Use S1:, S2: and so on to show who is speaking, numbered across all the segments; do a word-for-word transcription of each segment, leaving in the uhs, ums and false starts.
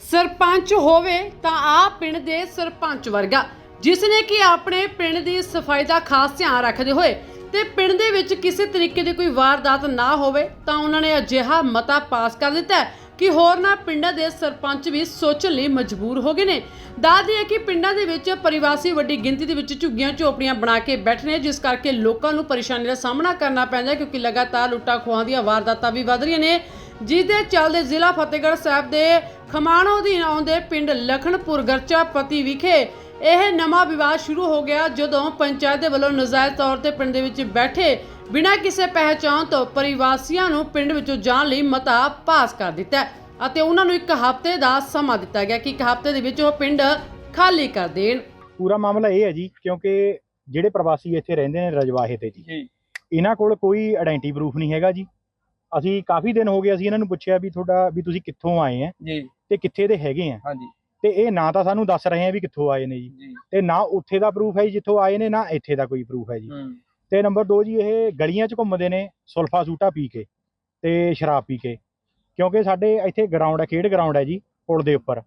S1: ਸਰਪੰਚ ਹੋਵੇ ਤਾਂ ਆ ਪਿੰਡ ਦੇ ਸਰਪੰਚ ਵਰਗਾ ਜਿਸ ਨੇ ਕਿ ਆਪਣੇ ਪਿੰਡ ਦੀ ਸਫਾਈ ਦਾ ਖਾਸ ਧਿਆਨ ਰੱਖਦੇ ਹੋਏ ਤੇ ਪਿੰਡ ਦੇ ਵਿੱਚ ਕਿਸੇ ਤਰੀਕੇ ਦੀ ਕੋਈ ਵਾਰਦਾਤ ਨਾ ਹੋਵੇ ਤਾਂ ਉਹਨਾਂ ਨੇ ਅਜਿਹਾ ਮਤਾ ਪਾਸ ਕਰ ਦਿੱਤਾ ਹੈ ਕਿ ਹੋਰਨਾਂ ਪਿੰਡਾਂ ਦੇ ਸਰਪੰਚ ਵੀ ਸੋਚਣ ਲਈ ਮਜਬੂਰ ਹੋ ਗਏ ਨੇ। ਦੱਸਦੀ ਹੈ ਕਿ ਪਿੰਡਾਂ ਦੇ ਵਿੱਚ ਪਰਿਵਾਸੀ ਵੱਡੀ ਗਿਣਤੀ ਦੇ ਵਿੱਚ ਝੁੱਗੀਆਂ ਝੋਪੜੀਆਂ ਬਣਾ ਕੇ ਬੈਠੇ ਨੇ, ਜਿਸ ਕਰਕੇ ਲੋਕਾਂ ਨੂੰ ਪਰੇਸ਼ਾਨੀ ਦਾ ਸਾਹਮਣਾ ਕਰਨਾ ਪੈਂਦਾ ਕਿਉਂਕਿ ਲਗਾਤਾਰ ਲੁੱਟਾਂ ਖੋਹਾਂ ਦੀਆਂ ਵਾਰਦਾਤਾਂ ਵੀ ਵਧ ਰਹੀਆਂ ਨੇ, ਜਿਸ ਦੇ ਚੱਲਦੇ ਜ਼ਿਲ੍ਹਾ ਫਤਿਹਗੜ੍ਹ ਸਾਹਿਬ ਦੇ ਖਮਾਣੋ ਅਧੀਨ ਆਉਂਦੇ ਪਿੰਡ ਲਖਣਪੁਰ ਗਰਚਾ ਪਤੀ ਵਿਖੇ ਇਹ ਨਵਾਂ ਵਿਵਾਦ ਸ਼ੁਰੂ ਹੋ ਗਿਆ ਜਦੋਂ ਪੰਚਾਇਤ ਦੇ ਵੱਲੋਂ ਨਜਾਇਜ਼ ਤੌਰ ਤੇ ਪਿੰਡ ਦੇ ਵਿੱਚ ਬੈਠੇ ਬਿਨਾਂ ਕਿਸੇ ਪਹਿਚਾਣ ਤੋਂ ਪਰਿਵਾਸੀਆਂ ਨੂੰ ਪਿੰਡ ਵਿੱਚੋਂ ਜਾਣ ਲਈ ਮਤਾ ਪਾਸ ਕਰ ਦਿੱਤਾ ਅਤੇ ਉਹਨਾਂ ਨੂੰ ਇੱਕ ਹਫ਼ਤੇ ਦਾ ਸਮਾਂ ਦਿੱਤਾ ਗਿਆ ਕਿ ਇੱਕ ਹਫ਼ਤੇ ਦੇ ਵਿੱਚ ਉਹ ਪਿੰਡ ਖਾਲੀ ਕਰ ਦੇਣ।
S2: ਪੂਰਾ ਮਾਮਲਾ ਇਹ ਹੈ ਜੀ, ਕਿਉਂਕਿ ਜਿਹੜੇ ਪ੍ਰਵਾਸੀ ਇੱਥੇ ਰਹਿੰਦੇ ਨੇ ਰਜਵਾਹੇ ਤੇ ਜੀ, ਇਹਨਾਂ ਕੋਲ ਕੋਈ ਆਇਡੈਂਟੀ ਪ੍ਰੂਫ ਨਹੀਂ ਹੈਗਾ ਜੀ। ਅਸੀਂ ਕਾਫੀ ਦਿਨ ਹੋ ਗਏ ਅਸੀਂ ਇਹਨਾਂ ਨੂੰ ਪੁੱਛਿਆ ਵੀ ਤੁਹਾਡਾ ਵੀ ਤੁਸੀਂ ਕਿੱਥੋਂ ਆਏ ਆ
S3: ਜੀ
S2: ਤੇ ਕਿੱਥੇ ਦੇ ਹੈਗੇ ਆ।
S3: ਹਾਂਜੀ।
S2: ਤੇ ਇਹ ਨਾ ਤਾਂ ਸਾਨੂੰ ਦੱਸ ਰਹੇ ਆ ਵੀ ਕਿੱਥੋਂ ਆਏ ਨੇ ਜੀ, ਤੇ ਨਾ ਉੱਥੇ ਦਾ ਪ੍ਰੂਫ ਹੈ ਜੀ ਜਿੱਥੋਂ ਆਏ ਨੇ, ਨਾ ਇੱਥੇ ਦਾ ਕੋਈ ਪ੍ਰੂਫ ਹੈ ਜੀ। ਤੇ ਨੰਬਰ ਦੋ ਜੀ, ਇਹ ਗਲੀਆਂ 'ਚ ਘੁੰਮਦੇ ਨੇ ਸੁਲਫਾ ਸੂਟਾ ਪੀ ਕੇ ਤੇ ਸ਼ਰਾਬ ਪੀ ਕੇ, ਕਿਉਂਕਿ ਸਾਡੇ ਇੱਥੇ ਗਰਾਊਂਡ ਹੈ, ਖੇਡ ਗਰਾਊਂਡ ਹੈ ਜੀ ਪੁਲ ਦੇ ਉੱਪਰ।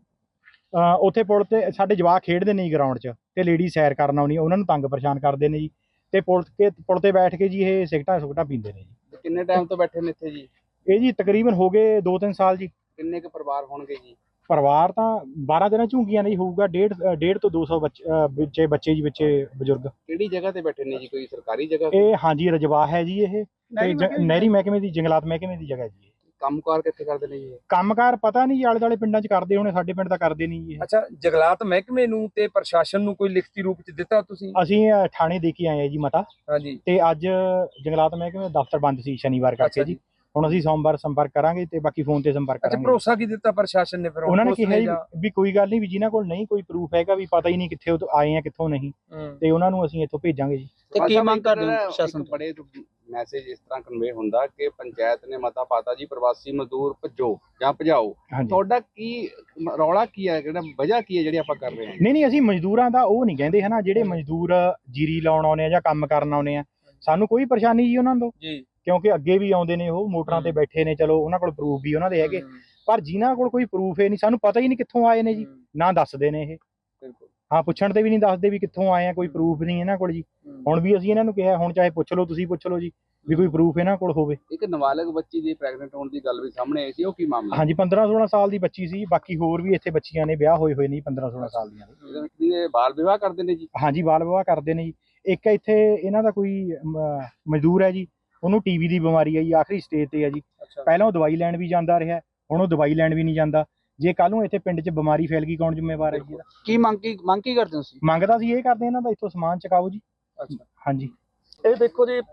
S2: ਉੱਥੇ ਪੁਲ ਤੇ ਸਾਡੇ ਜਵਾਕ ਖੇਡਦੇ ਨੇ ਜੀ ਗਰਾਊਂਡ 'ਚ, ਤੇ ਲੇਡੀ ਸੈਰ ਕਰਨ ਆਉਣੀ, ਉਹਨਾਂ ਨੂੰ ਤੰਗ ਪਰੇਸ਼ਾਨ ਕਰਦੇ ਨੇ ਜੀ। ਤੇ ਪੁਲ ਕੇ ਪੁਲ ਤੇ ਬੈਠ ਕੇ ਜੀ ਇਹ ਸਿਗਟਾਂ ਸੁਗਟਾਂ ਪੀਂਦੇ ਨੇ ਜੀ।
S3: ਕਿੰਨੇ ਟਾਈਮ ਤੋਂ ਬੈਠੇ ਨੇ ਇੱਥੇ ਜੀ?
S2: ਇਹ ਜੀ ਤਕਰੀਬਨ ਹੋ ਗਏ ਦੋ ਤਿੰਨ ਸਾਲ ਜੀ।
S3: ਕਿੰਨੇ ਕੁ ਪਰਿਵਾਰ ਹੋਣਗੇ ਜੀ?
S2: ਪਰਿਵਾਰ ਤਾਂ ਬਾਰਾਂ ਦਿਨਾਂ ਝੁੰਗੀਆਂ ਨਹੀਂ ਹੋਊਗਾ, ਡੇਢ ਡੇਢ ਤੋਂ ਦੋ ਸੌ ਬੱਚੇ ਬੱਚੇ ਜੀ, ਬੱਚੇ ਬਜ਼ੁਰਗ।
S3: ਕਿਹੜੀ ਜਗ੍ਹਾ ਤੇ ਬੈਠੇ ਨੇ ਜੀ? ਕੋਈ ਸਰਕਾਰੀ ਜਗ੍ਹਾ?
S2: ਇਹ ਹਾਂਜੀ ਰਜਵਾਹ ਹੈ ਜੀ, ਇਹ ਨਹਿਰੀ ਮਹਿਕਮੇ ਦੀ, ਜੰਗਲਾਤ ਮਹਿਕਮੇ ਦੀ ਜਗ੍ਹਾ ਜੀ।
S3: ਕੰਮਕਾਰ ਕਿੱਥੇ ਕਰਦੇ ਨੇ ਜੀ?
S2: ਕੰਮਕਾਰ ਪਤਾ ਨਹੀਂ ਜੀ, ਆਲੇ ਦੁਆਲੇ ਪਿੰਡਾਂ 'ਚ ਕਰਦੇ ਹੋਣੇ, ਸਾਡੇ ਪਿੰਡ ਤਾਂ ਕਰਦੇ ਨਹੀਂ ਜੀ।
S3: ਅੱਛਾ, ਜੰਗਲਾਤ ਮਹਿਕਮੇ ਨੂੰ ਤੇ ਪ੍ਰਸ਼ਾਸਨ ਨੂੰ ਕੋਈ ਲਿਖਤੀ ਰੂਪ ਚ ਦਿੱਤਾ ਤੁਸੀਂ?
S2: ਅਸੀਂ ਥਾਣੇ ਦੇ ਕੇ ਆਏ ਆ ਜੀ ਮਤਾ।
S3: ਹਾਂਜੀ।
S2: ਤੇ ਅੱਜ ਜੰਗਲਾਤ ਮਹਿਕਮੇ ਦਾ ਦਫ਼ਤਰ ਬੰਦ ਸੀ ਸ਼ਨੀਵਾਰ ਕਰਕੇ ਜੀ। ਹੁਣ ਅਸੀਂ ਸੋਮਵਾਰ ਸੰਪਰਕ ਕਰਾਂਗੇ ਤੇ ਬਾਕੀ ਫੋਨ ਤੇ ਸੰਪਰਕ ਕਰਾਂਗੇ।
S3: ਅੱਛਾ, ਭਰੋਸਾ ਕੀ ਦਿੱਤਾ ਪ੍ਰਸ਼ਾਸਨ ਨੇ ਫਿਰ?
S2: ਉਹਨਾਂ ਨੇ ਕਿਹਾ ਵੀ ਕੋਈ ਗੱਲ ਨਹੀਂ, ਵੀ ਜਿਨ੍ਹਾਂ ਕੋਲ ਨਹੀਂ ਕੋਈ ਪ੍ਰੂਫ ਹੈਗਾ, ਵੀ ਪਤਾ ਹੀ ਨਹੀਂ ਕਿੱਥੇ ਆਏ ਆ ਕਿੱਥੋਂ ਨਹੀਂ, ਤੇ ਉਹਨਾਂ ਨੂੰ ਅਸੀਂ ਇੱਥੋਂ ਭੇਜਾਂਗੇ ਜੀ।
S3: ਤੇ ਕੀ ਮੰਗ ਕਰਦੇ ਹੋ ਪ੍ਰਸ਼ਾਸਨ ਤੋਂ? ਬੜੇ ਮੈਸੇਜ ਇਸ ਤਰ੍ਹਾਂ ਕਨਵੇ ਹੁੰਦਾ ਕਿ ਪੰਚਾਇਤ ਨੇ ਮਤਾ ਪਾਤਾ ਜੀ, ਪ੍ਰਵਾਸੀ ਮਜ਼ਦੂਰ ਭੱਜੋ ਜਾਂ ਭਜਾਓ। ਤੁਹਾਡਾ ਕੀ ਰੌਲਾ ਕੀ ਹੈ, ਕਿਹੜਾ ਵਜ੍ਹਾ ਕੀ ਹੈ ਜਿਹੜੀ ਆਪਾਂ ਕਰ ਰਹੇ ਹਾਂ?
S2: ਨਹੀਂ ਨਹੀਂ, ਅਸੀਂ ਮਜ਼ਦੂਰਾਂ ਦਾ ਉਹ ਨਹੀਂ ਕਹਿੰਦੇ ਹਨਾ, ਜਿਹੜੇ ਮਜ਼ਦੂਰ ਜੀਰੀ ਲਾਉਣ ਆਉਨੇ ਆ ਜਾਂ ਕੰਮ ਕਰਨ ਆਉਨੇ ਆ, ਸਾਨੂੰ ਕੋਈ ਪਰੇਸ਼ਾਨੀ ਜੀ ਉਹਨਾਂ ਤੋਂ ਜੀ, ਕਿਉਂਕਿ ਅੱਗੇ ਵੀ ਆਉਂਦੇ ਨੇ, ਉਹ ਮੋਟਰਾਂ ਤੇ ਬੈਠੇ ਨੇ, ਚਲੋ ਉਹਨਾਂ ਕੋਲ ਪ੍ਰੂਫ ਵੀ ਉਹਨਾਂ ਦੇ ਹੈਗੇ। ਪਰ ਜਿਨ੍ਹਾਂ ਕੋਲ ਕੋਈ ਪ੍ਰੂਫ ਹੈ ਨਹੀਂ, ਸਾਨੂੰ ਪਤਾ ਹੀ ਨਹੀਂ ਕਿੱਥੋਂ ਆਏ ਨੇ ਜੀ, ਨਾ ਦੱਸਦੇ ਨੇ ਇਹ। ਹਾਂ, ਪੁੱਛਣ ਤੇ ਵੀ ਨਹੀਂ ਦੱਸਦੇ ਵੀ ਕਿੱਥੋਂ ਆਏ ਆ, ਕੋਈ ਪ੍ਰੂਫ ਨਹੀਂ ਇਹਨਾਂ ਕੋਲ ਜੀ। ਹੁਣ ਵੀ ਅਸੀਂ ਇਹਨਾਂ ਨੂੰ ਕਿਹਾ, ਹੁਣ ਚਾਹੇ ਪੁੱਛ ਲਓ, ਤੁਸੀਂ ਪੁੱਛ ਲਓ ਜੀ, ਵੀ ਕੋਈ ਪ੍ਰੂਫ ਇਹਨਾਂ ਕੋਲ ਹੋਵੇ।
S3: ਇੱਕ ਨਾਬਾਲਗ ਬੱਚੀ ਦੀ ਪ੍ਰੈਗਨੈਂਟ ਹੋਣ ਦੀ ਗੱਲ ਵੀ ਸਾਹਮਣੇ ਆਈ ਸੀ, ਉਹ ਕੀ ਮਾਮਲਾ?
S2: ਹਾਂਜੀ, ਪੰਦਰਾਂ ਸੋਲਾਂ ਸਾਲ ਦੀ ਬੱਚੀ ਸੀ। ਬਾਕੀ ਹੋਰ ਵੀ ਇੱਥੇ ਬੱਚੀਆਂ ਨੇ, ਵਿਆਹ ਹੋਏ ਹੋਏ ਨੇ ਪੰਦਰਾਂ ਸੋਲਾਂ ਸਾਲ ਦੀਆਂ
S3: ਨੇ। ਬਾਲ ਵਿਵਾਹ ਕਰਦੇ ਨੇ ਜੀ? ਹਾਂਜੀ,
S2: ਬਾਲ ਵਿਵਾਹ ਕਰਦੇ ਨੇ ਜੀ। ਇੱਕ ਇੱਥੇ ਇਹਨਾਂ ਦਾ ਕੋਈ ਮਜ਼ਦੂਰ ਹੈ ਜੀ, ਉਹਨੂੰ ਟੀਵੀ ਦੀ ਬਿਮਾਰੀ ਹੈ ਜੀ, ਆਖਰੀ ਸਟੇਜ ਤੇ ਹੈ ਜੀ। ਪਹਿਲਾਂ ਉਹ ਦਵਾਈ ਲੈਣ ਵੀ ਜਾਂਦਾ ਰਿਹਾ, ਹੁਣ ਉਹ ਦਵਾਈ ਲੈਣ ਵੀ ਨਹੀਂ ਜਾਂਦਾ। ਜੇ ਕੱਲ ਨੂੰ ਇੱਥੇ ਪਿੰਡ 'ਚ ਬਿਮਾਰੀ ਫੈਲ ਗਈ, ਕੌਣ ਜ਼ਿੰਮੇਵਾਰ ਹੈ ਜੀ?
S3: ਕੀ ਮੰਗ ਕੀ ਮੰਗ ਕੀ ਕਰਦੇ ਹੋ ਤੁਸੀਂ?
S2: ਮੰਗਦਾ ਸੀ ਇਹ ਕਰਦੇ ਇਹਨਾਂ ਦਾ ਇੱਥੋਂ ਸਮਾਨ ਚਕਾਓ ਜੀ।
S3: ਅੱਛਾ,
S2: ਹਾਂਜੀ।
S4: ਇਹ ਦੇਖੋ ਜੀ,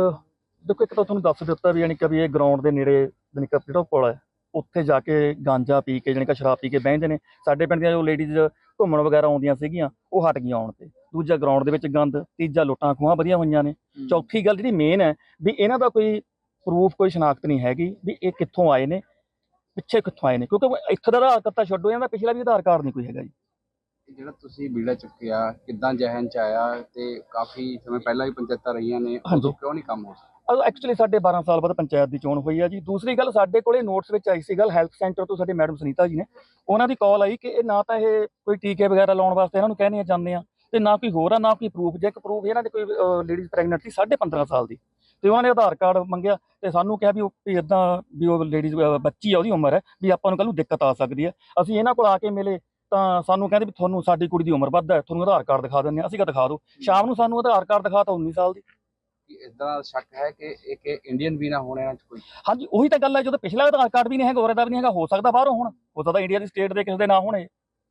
S4: ਦੇਖੋ ਇੱਕ ਤਾਂ ਤੁਹਾਨੂੰ ਦੱਸ ਦਿੱਤਾ ਵੀ ਯਾਨੀ ਕਿ ਵੀ ਇਹ ਗਰਾਊਂਡ ਦੇ ਨੇੜੇ ਯਾਨੀ ਕਿ ਜਿਹੜਾ ਪੁਲ ਹੈ, ਉੱਥੇ ਜਾ ਕੇ ਗਾਂਜਾ ਪੀ ਕੇ ਯਾਨੀ ਕਿ ਸ਼ਰਾਬ ਪੀ ਕੇ ਬਹਿੰਦੇ ਨੇ। ਸਾਡੇ ਪਿੰਡ ਦੀਆਂ ਜੋ ਲੇਡੀਜ਼ ਘੁੰਮਣ ਵਗੈਰਾ ਆਉਂਦੀਆਂ ਸੀਗੀਆਂ, ਉਹ ਹਟ ਗਈਆਂ ਆਉਣ ਤੇ। ਦੂਜਾ, ਗਰਾਊਂਡ ਦੇ ਵਿੱਚ ਗੰਦ। ਤੀਜਾ, ਲੁੱਟਾਂ ਖੋਹਾਂ ਵਧੀਆਂ ਹੋਈਆਂ ਨੇ। ਚੌਥੀ ਗੱਲ ਜਿਹੜੀ ਮੇਨ ਹੈ ਵੀ ਇਹਨਾਂ ਦਾ ਕੋਈ ਪ੍ਰੂਫ, ਕੋਈ ਸ਼ਨਾਖਤ ਨਹੀਂ ਹੈਗੀ ਵੀ ਇਹ ਕਿੱਥੋਂ ਆਏ ਨੇ, ਪਿੱਛੇ ਕਿੱਥੋਂ ਆਏ ਨੇ, ਕਿਉਂਕਿ ਇੱਥੇ ਦਾ ਆਧਾਰ ਕਾਰਡ ਤਾਂ ਛੱਡੋ, ਇਹਨਾਂ ਦਾ ਪਿਛਲਾ ਵੀ ਆਧਾਰ ਕਾਰਡ ਨਹੀਂ ਕੋਈ ਹੈਗਾ ਜੀ।
S3: ਜਿਹੜਾ ਤੁਸੀਂ ਬੀੜਾ ਚੁੱਕਿਆ, ਕਿੱਦਾਂ ਜਹਨ ਚ ਆਇਆ? ਤੇ ਕਾਫੀ ਸਮੇਂ ਪਹਿਲਾਂ ਵੀ ਪੰਚਾਇਤਾਂ ਰਹੀਆਂ ਨੇ, ਉਦੋਂ ਕਿਉਂ ਨਹੀਂ ਕੰਮ ਹੋ ਸਕਦਾ?
S4: ਐਕਚੁਅਲੀ ਸਾਡੇ ਬਾਰਾਂ ਸਾਲ ਬਾਅਦ ਪੰਚਾਇਤ ਦੀ ਚੋਣ ਹੋਈ ਆ ਜੀ। ਦੂਸਰੀ ਗੱਲ, ਸਾਡੇ ਕੋਲੇ ਨੋਟਸ ਵਿੱਚ ਆਈ ਸੀ ਗੱਲ, ਹੈਲਥ ਸੈਂਟਰ ਤੋਂ ਸਾਡੇ ਮੈਡਮ ਸੁਨੀਤਾ ਜੀ ਨੇ, ਉਹਨਾਂ ਦੀ ਕਾਲ ਆਈ ਕਿ ਇਹ ਨਾ ਤਾਂ ਇਹ ਕੋਈ ਟੀਕੇ ਵਗੈਰਾ ਲਾਉਣ ਵਾਸਤੇ ਇਹਨਾਂ ਨੂੰ ਕਹਿੰਦੇ ਜਾਂਦੇ ਆ, ਤੇ ਨਾ ਕੋਈ ਹੋਰ ਆ, ਨਾ ਕੋਈ ਪ੍ਰੂਫ। ਜੇ ਇੱਕ ਪ੍ਰੂਫ ਇਹਨਾਂ ਦੇ ਕੋਈ ਲੇਡੀਜ਼ ਪ੍ਰੈਗਨੈਂਟ ਸੀ ਸਾਢੇ ਪੰਦਰਾਂ ਸਾਲ ਦੀ, ਤੇ ਉਹਨਾਂ ਨੇ ਆਧਾਰ ਕਾਰਡ ਮੰਗਿਆ ਤੇ ਸਾਨੂੰ ਕਿਹਾ ਵੀ ਉਹ ਇੱਦਾਂ ਵੀ ਉਹ ਲੇਡੀਜ਼ ਬੱਚੀ ਆ, ਉਹਦੀ ਉਮਰ ਹੈ, ਵੀ ਆਪਾਂ ਨੂੰ ਕੱਲ੍ਹ ਨੂੰ ਦਿੱਕਤ ਆ ਸਕਦੀ ਹੈ। ਅਸੀਂ ਇਹਨਾਂ ਕੋਲ ਆ ਕੇ ਮਿਲੇ ਤਾਂ ਸਾਨੂੰ ਕਹਿੰਦੇ ਵੀ ਤੁਹਾਨੂੰ ਸਾਡੀ ਕੁੜੀ ਦੀ ਉਮਰ ਵੱਧ ਹੈ, ਤੁਹਾਨੂੰ ਆਧਾਰ ਕਾਰਡ ਦਿਖਾ ਦਿੰਦੇ ਹਾਂ। ਅਸੀਂ ਕਿਹਾ ਦਿਖਾ ਦਿਓ। ਸ਼ਾਮ ਨੂੰ ਸਾਨੂੰ ਆਧਾਰ ਕਾਰਡ ਦਿਖਾਤਾ ਉੱਨੀ ਸਾਲ ਦੀ।
S3: ਇਦਾਂ ਸ਼ੱਕ ਹੈ ਕਿ ਇੱਕ ਇੰਡੀਅਨ ਵੀ ਨਾ ਹੋਣ ਇਹਨਾਂ 'ਚ ਕੋਈ?
S4: ਹਾਂਜੀ, ਉਹੀ ਤਾਂ ਗੱਲ ਹੈ, ਜਦੋਂ ਪਿਛਲਾ ਆਧਾਰ ਕਾਰਡ ਵੀ ਨਹੀਂ ਹੈਗਾ, ਉਹਦਾ ਵੀ ਨਹੀਂ ਹੈਗਾ, ਹੋ ਸਕਦਾ ਬਾਹਰੋਂ ਹੋਣ, ਹੋ ਸਕਦਾ ਇੰਡੀਆ ਦੀ ਸਟੇਟ ਦੇ ਕਿਸੇ ਦੇ ਨਾ ਹੋਣੇ।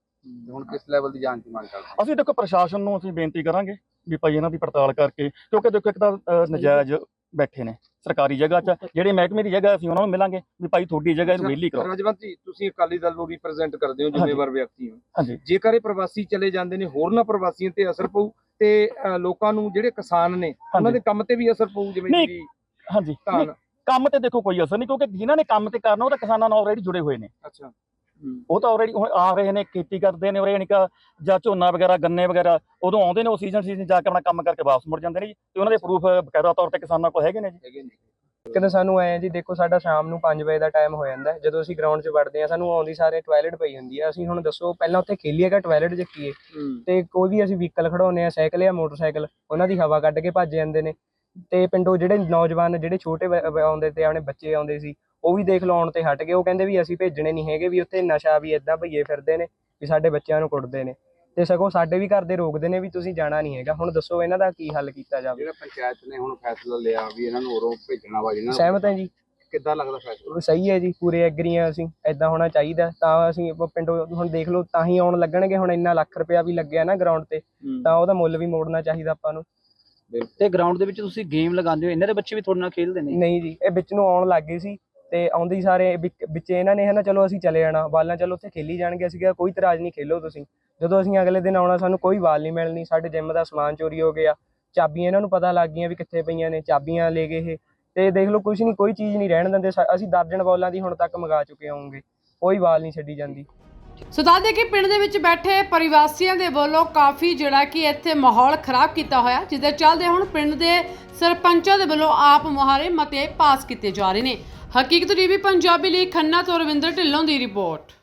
S3: ਹੁਣ ਕਿਸ ਲੈਵਲ ਦੀ ਜਾਂਚ ਦੀ ਮੰਗ ਕਰਦੇ?
S4: ਅਸੀਂ ਦੇਖੋ ਪ੍ਰਸ਼ਾਸਨ ਨੂੰ ਅਸੀਂ ਬੇਨਤੀ ਕਰਾਂਗੇ ਵੀ ਭਾਈ ਇਹਨਾਂ ਦੀ ਪੜਤਾਲ ਕਰਕੇ, ਕਿਉਂਕਿ ਦੇਖੋ ਇੱਕ ਤਾਂ ਨਜਾਇਜ਼ ਬੈਠੇ ਨੇ ਸਰਕਾਰੀ ਜਗ੍ਹਾ 'ਚ, ਜਿਹੜੇ ਮਹਿਕਮੇ ਦੀ ਜਗ੍ਹਾ ਅਸੀਂ ਉਹਨਾਂ ਨੂੰ ਮਿਲਾਂਗੇ ਵੀ ਭਾਈ ਤੁਹਾਡੀ ਜਗ੍ਹਾ ਇਹਨੂੰ ਵਿਹਲੀ ਕਰੋ।
S3: ਰਾਜਵੰਤ ਜੀ, ਤੁਸੀਂ ਅਕਾਲੀ ਦਲ ਨੂੰ ਰਿਪਰੈਜ਼ੈਂਟ ਕਰਦੇ ਹੋ, ਜ਼ਿੰਮੇਵਾਰ ਵਿਅਕਤੀ ਹੋ।
S4: ਹਾਂਜੀ।
S3: ਜੇਕਰ ਇਹ ਪ੍ਰਵਾਸੀ ਚਲੇ ਜਾਂਦੇ ਨੇ, ਹੋਰਨਾਂ ਪ੍ਰਵਾਸੀਆਂ ਤੇ ਅਸਰ ਪਊ, ਤੇ ਲੋਕਾਂ ਨੂੰ ਜਿਹੜੇ ਕਿਸਾਨ ਨੇ ਉਹਨਾਂ ਦੇ ਕੰਮ ਤੇ ਵੀ ਅਸਰ ਪਊ? ਜਿਵੇਂ ਕਿ
S4: ਹਾਂਜੀ, ਕੰਮ ਤੇ ਦੇਖੋ ਕੋਈ ਅਸਰ ਨਹੀਂ, ਕਿਉਂਕਿ ਜਿਨ੍ਹਾਂ ਨੇ ਕੰਮ ਤੇ ਕਰਨਾ ਉਹ ਤਾਂ ਕਿਸਾਨਾਂ ਨਾਲ ਆਲਰੇਡੀ ਜੁੜੇ ਹੋਏ ਨੇ।
S3: ਅੱਛਾ,
S4: ਉਹ ਤਾਂ ਆਲਰੇਡੀ ਹੁਣ ਆ ਰਹੇ ਨੇ, ਖੇਤੀ ਕਰਦੇ ਨੇ, ਯਾਨੀ ਕਿ ਜਾਂ ਝੋਨਾ ਵਗੈਰਾ, ਗੰਨੇ ਵਗੈਰਾ, ਉਦੋਂ ਆਉਂਦੇ ਨੇ, ਉਹ ਸੀਜ਼ਨ ਸੀਜ਼ਨ ਜਾ ਕੇ ਆਪਣਾ ਕੰਮ ਕਰਕੇ ਵਾਪਸ ਮੁੜ ਜਾਂਦੇ ਨੇ ਜੀ। ਤੇ ਉਹਨਾਂ ਦੇ ਪ੍ਰੂਫ ਬਕਾਇਦਾ ਤੌਰ ਤੇ ਕਿਸਾਨਾਂ ਕੋਲ ਹੈਗੇ ਨੇ ਜੀ।
S5: ਇੱਕ ਤਾਂ ਸਾਨੂੰ ਐਂ ਜੀ ਦੇਖੋ ਸਾਡਾ ਸ਼ਾਮ ਨੂੰ ਪੰਜ ਵਜੇ ਦਾ ਟਾਈਮ ਹੋ ਜਾਂਦਾ ਜਦੋਂ ਅਸੀਂ ਗਰਾਊਂਡ 'ਚ ਵੜਦੇ ਹਾਂ, ਸਾਨੂੰ ਆਉਂਦੀ ਸਾਰੇ ਟਾਇਲਟ ਪਈ ਹੁੰਦੀ ਹੈ। ਅਸੀਂ ਹੁਣ ਦੱਸੋ ਪਹਿਲਾਂ ਉੱਥੇ ਖੇਲੀਏ ਕਿ ਟਾਇਲਟ 'ਚ ਕੀ ਤੇ ਕੋਈ ਵੀ ਅਸੀਂ ਵਹੀਕਲ ਖੜਾਉਂਦੇ ਹਾਂ, ਸਾਈਕਲ ਜਾਂ ਮੋਟਰਸਾਈਕਲ, ਉਹਨਾਂ ਦੀ ਹਵਾ ਕੱਢ ਕੇ ਭੱਜ ਜਾਂਦੇ ਨੇ। ਤੇ ਪਿੰਡੋਂ ਜਿਹੜੇ ਨੌਜਵਾਨ ਜਿਹੜੇ ਛੋਟੇ ਆਉਂਦੇ ਤੇ ਆਪਣੇ ਬੱਚੇ ਆਉਂਦੇ ਸੀ, ਉਹ ਵੀ ਦੇਖ ਲਓ ਆਉਣ ਤੇ ਹਟ ਗਏ। ਉਹ ਕਹਿੰਦੇ ਵੀ ਅਸੀਂ ਭੇਜਣੇ ਨਹੀਂ ਹੈਗੇ, ਵੀ ਉੱਥੇ ਨਸ਼ਾ ਵੀ ਏਦਾਂ ਭਈਏ ਫਿਰਦੇ ਨੇ ਵੀ ਸਾਡੇ ਬੱਚਿਆਂ ਨੂੰ ਕੁੱਟਦੇ ਨੇ, ਤੇ ਸਗੋਂ ਸਾਡੇ ਵੀ ਘਰ ਦੇ ਰੋਕਦੇ ਨੇ ਵੀ ਤੁਸੀਂ ਜਾਣਾ ਨਹੀਂ ਹੈਗਾ। ਹੁਣ ਦੱਸੋ ਇਹਨਾਂ ਦਾ ਕੀ ਹੱਲ ਕੀਤਾ ਜਾਵੇ?
S3: ਜਿਹੜਾ ਪੰਚਾਇਤ ਨੇ ਹੁਣ ਫੈਸਲਾ ਲਿਆ ਵੀ ਇਹਨਾਂ ਨੂੰ ਉਰੋਂ ਭੇਜਣਾ ਵਾ ਜਿਹਨਾਂ
S5: ਸਹਿਮਤ ਹੈ ਜੀ,
S3: ਕਿੱਦਾਂ ਲੱਗਦਾ ਫੈਸਲਾ?
S5: ਸਹੀ ਹੈ ਜੀ, ਪੂਰੇ ਐਗਰੀ ਹਾਂ ਅਸੀਂ, ਏਦਾਂ ਹੋਣਾ ਚਾਹੀਦਾ। ਤਾਂ ਅਸੀਂ ਪਿੰਡੋਂ ਹੁਣ ਦੇਖ ਲਓ ਤਾਂ ਹੀ ਆਉਣ ਲੱਗਣਗੇ। ਹੁਣ ਇੰਨਾ ਲੱਖ ਰੁਪਇਆ ਵੀ ਲੱਗਿਆ ਨਾ ਗਰਾਊਂਡ ਤੇ, ਤਾਂ ਉਹਦਾ ਮੁੱਲ ਵੀ ਮੋੜਨਾ ਚਾਹੀਦਾ ਆਪਾਂ ਨੂੰ।
S4: ਤੇ ਗਰਾਊਂਡ ਦੇ ਵਿੱਚ ਤੁਸੀਂ ਗੇਮ ਲਗਾਉਂਦੇ ਹੋ, ਇਹਨਾਂ ਦੇ ਬੱਚੇ ਵੀ ਤੁਹਾਡੇ ਨਾਲ ਖੇਡਦੇ ਨੇ?
S5: ਨਹੀਂ ਜੀ, ਇਹ ਵਿੱਚ ਨੂੰ ਆਉਣ ਲੱਗ ਗਏ ਸੀ ਤੇ ਆਉਂਦੇ ਸਾਰੇ ਵਿੱਚ ਇਹਨਾਂ ਨੇ ਹੈ ਨਾ ਚਲੋ ਅਸੀਂ ਚਲੇ ਜਾਣਾ ਬਾਲਾਂ, ਚਲੋ ਉੱਥੇ ਖੇਲੀ ਜਾਣਗੇ। ਅਸੀਂ ਕਿਹਾ ਕੋਈ ਇਤਰਾਜ਼ ਨਹੀਂ, ਖੇਲੋ ਤੁਸੀਂ। ਜਦੋਂ ਅਸੀਂ ਅਗਲੇ ਦਿਨ ਆਉਣਾ ਸਾਨੂੰ ਕੋਈ ਬਾਲ ਨਹੀਂ ਮਿਲਣੀ। ਸਾਡੇ ਜਿੰਮ ਦਾ ਸਮਾਨ ਚੋਰੀ ਹੋ ਗਿਆ, ਚਾਬੀਆਂ ਇਹਨਾਂ ਨੂੰ ਪਤਾ ਲੱਗ ਗਈਆਂ ਵੀ ਕਿੱਥੇ ਪਈਆਂ ਨੇ, ਚਾਬੀਆਂ ਲੈ ਗਏ ਇਹ। ਤੇ ਦੇਖ ਲਓ ਕੁਛ ਨਹੀਂ, ਕੋਈ ਚੀਜ਼ ਨਹੀਂ ਰਹਿਣ ਦਿੰਦੇ। ਅਸੀਂ ਦਰਜਨ ਬੋਲਾਂ ਦੀ ਹੁਣ ਤੱਕ ਮੰਗਾ ਚੁੱਕੇ ਹੋਵਾਂਗੇ, ਕੋਈ ਬਾਲ ਨਹੀਂ ਛੱਡੀ ਜਾਂਦੀ।
S1: ਸੋ ਦੱਸਦੇ ਕਿ ਪਿੰਡ ਦੇ ਵਿੱਚ ਬੈਠੇ ਪਰਿਵਾਸੀਆਂ ਦੇ ਵੱਲੋਂ ਕਾਫੀ ਜਿਹੜਾ ਕਿ ਇੱਥੇ ਮਾਹੌਲ ਖਰਾਬ ਕੀਤਾ ਹੋਇਆ, ਜਿਹਦੇ ਚੱਲਦੇ ਹੁਣ ਪਿੰਡ ਦੇ ਸਰਪੰਚਾਂ ਦੇ ਵੱਲੋਂ ਆਪ ਮੁਹਾਰੇ ਮਤੇ ਪਾਸ ਕੀਤੇ ਜਾ ਰਹੇ ਨੇ। ਹਕੀਕਤ ਟੀਵੀ ਪੰਜਾਬੀ ਲਈ ਖੰਨਾ ਤੋਂ ਰਵਿੰਦਰ ਢਿੱਲੋਂ ਦੀ ਰਿਪੋਰਟ।